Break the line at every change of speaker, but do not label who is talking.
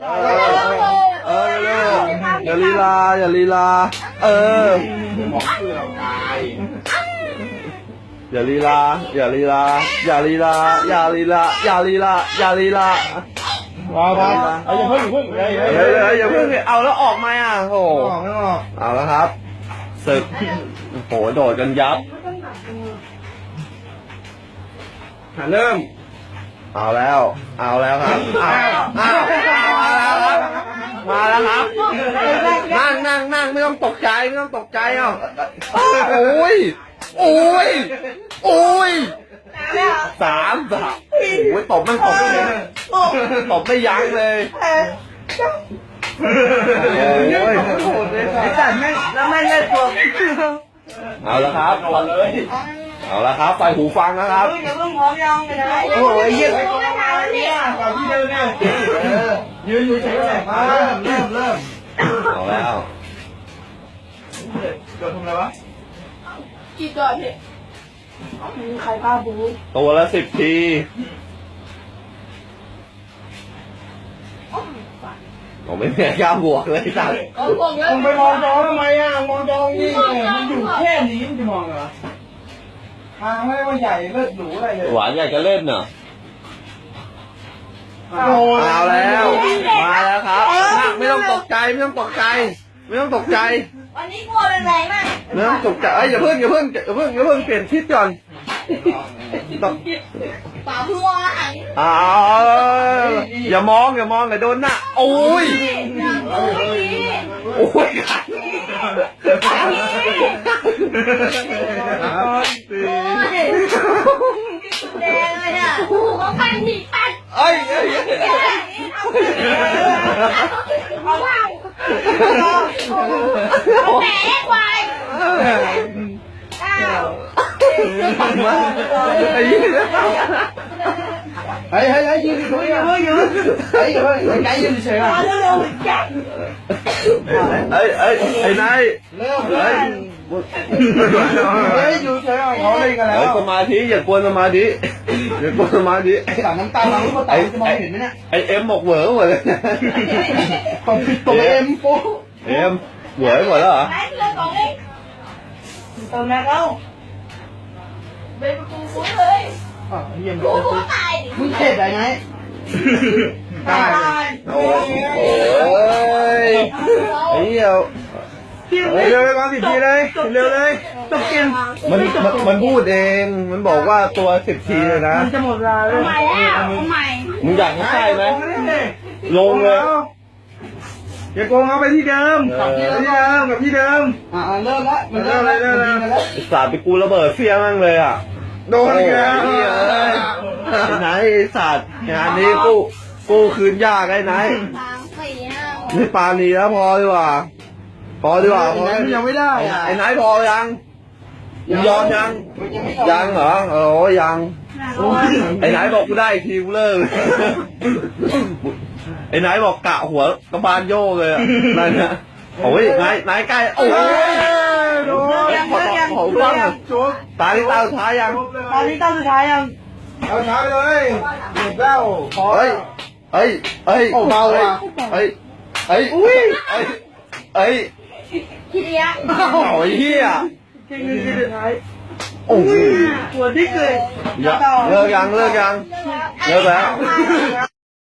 เร็วอย่าลีลาอย่าลีลา
หมอกเพื่อเราตาย
อย่าลีลาอย่าลีลาอย่าลีลาอย่าลีลาอย่าลีลาอย่าลีลา
ว้าวอย่าเพิ่ง
อย่าเพิ่งเอาแล้วออกมาโอ้
ไม่ออก
เอาแล้วครับศึกโหโดดกันยับเริ่มเอาแล้วครับมาแล้วครับนั่งไม่ต้องตกใจโอ้ยสามโอ้ยตบไม่ยั้งเลยโอ้ย
ไอ้สัตว์แม่งแล้วแม่งได้ตัว
เอาละครับเอาละครับใส่หูฟังนะครับ
อย่าเพิ่งพร้อมยังเลยนะโอ้ยยืนไม่ทันเนี่ย
ก่อนที่เดินเนี่ยยืนอยู่เฉยๆเริ่ม
เอาแล้ว
โดนทำอะไรวะ
กี่ก่อนพี่มีใครบ้าบู
ตัวละ10 ทีผมไม่แพ้กล้าบวกเลยสัตว์
มึงไปมองจอทำไมมองจอนี่มันอยู่แค่นี้มึงจะมองเหรอทางไม่ว่าใหญ่เลิศหรูอะไรเลย
หวานอยากจะเล่นเนอะเอาแล้วมาแล้วครับไม่ต้องตกใจ
วันนี้กลัวแรงๆนะ
ไม่ต้องตกใจอย่าเพิ่งเปลี่ยนทิศก่อน
ป่าหัว
อย่ามองอย่าโดนหน้าโอ้ยกัด
แดงเลยอ่ะเขาพันผีปัด
เอา
ว่าแหมควาย
เฮ้ยยืนเฉยใจยืนเฉย
ไอ้นาย
เริ่มอยู่เฉยเขาเล่นกันแล้ว
สมาธิอย่ากวนสมาธิ
ไอ้หลังน้ำตาเราก็ตายจะมองเห็นไหมเนี่ย
ไอเอ็มบอกเหวอหมดเลย
ความผิดตัวเอ็มปุ๊
เอ็มเหวอหมดแล้วเหรอ
ตรงนั้นเราเป็นกูฟุ้งเลยกูตาย
มึงเข็ดอะไรไง
ตาย
โอ้ยไอ้เหี้ย
เร็วก่อน10 ทีเลยเร็วเลย
ตกเกม
มันพูดเองมันบอกว่าตัว10 ทีเลยนะ
มันจะหมดเวลาเลยทำไม
มึงอยากให้ใช่ไหมลงเลย
อย่าโกงเอาไปที่เดิมกับที่เดิมเริ่มละมันเริ่มแล้ว
สาดไปกูระเบิดเฟี้ยงเลยโดนอีกแล้วไหนสัตว์งานนี้กูคืนยากไอ้ไหนไม่ปานีแล้วพอดีกว่า
ยังไม่ได้
ไอ้ไหนพอยังยอมยังเหรอโอ้ยังไอ้ไหนบอกกูได้ทีกูเลิกไอ้ไหนบอกกะหัวกระบาลโยกเลยนั่นนะโอ้ยไหนใกล้โอ้ยขอฟังตาที่ตาสุดท้ายยัง
เอาช้าไปเลยเด็กแล้ว
เฮ้ย
เมาอ่ะ
คิดเนี้ย
โอ้ยเฮียโอ้ย
หัวที่เกิด
เลิกยังแล้ว